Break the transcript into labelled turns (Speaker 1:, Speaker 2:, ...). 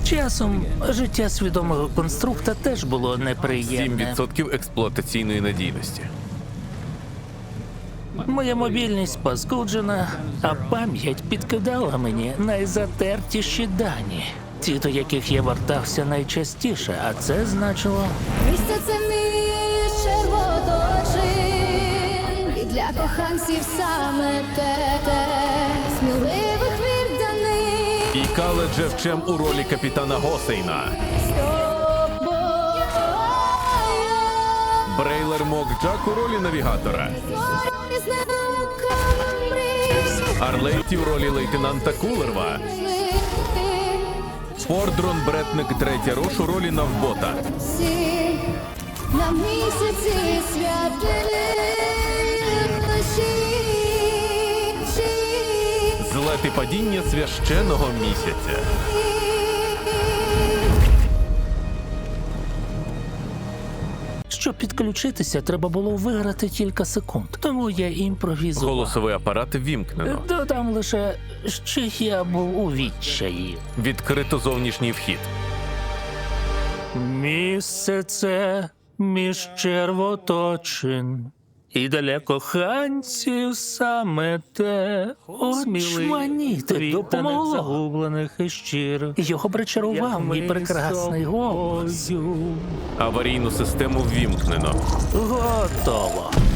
Speaker 1: Часом життя свідомого конструкта теж було неприємне.
Speaker 2: 7% експлуатаційної надійності.
Speaker 1: Моя мобільність паскуджена, а пам'ять підкидала мені найзатертіші дані. Ті, до яких я вертався найчастіше, а це значило...
Speaker 3: Місце це між червоточин, і для коханців саме те, сміливих відданих.
Speaker 2: І Кале Джевчем у ролі капітана Госейна.
Speaker 3: З тобою
Speaker 2: Брейлер Мокджак у ролі навігатора.
Speaker 3: з науками мрій.
Speaker 2: Арлейті в ролі лейтенанта Кулерва. Фордрон Бретник Третя Рош у ролі навбота.
Speaker 3: Всі на місяці святили вночі.
Speaker 2: Злет і падіння священого місяця.
Speaker 1: Щоб підключитися, треба було виграти кілька секунд. Тому я імпровізував.
Speaker 2: Голосовий апарат ввімкнено.
Speaker 1: Додам лише, що я був у відчаї.
Speaker 2: Відкрито зовнішній вхід.
Speaker 1: Місце це між червоточин. І для коханців саме те. Очманіти допомогло. Загублених і щиро. Його причарував мій прекрасний голос.
Speaker 2: Аварійну систему ввімкнено.
Speaker 1: Готово.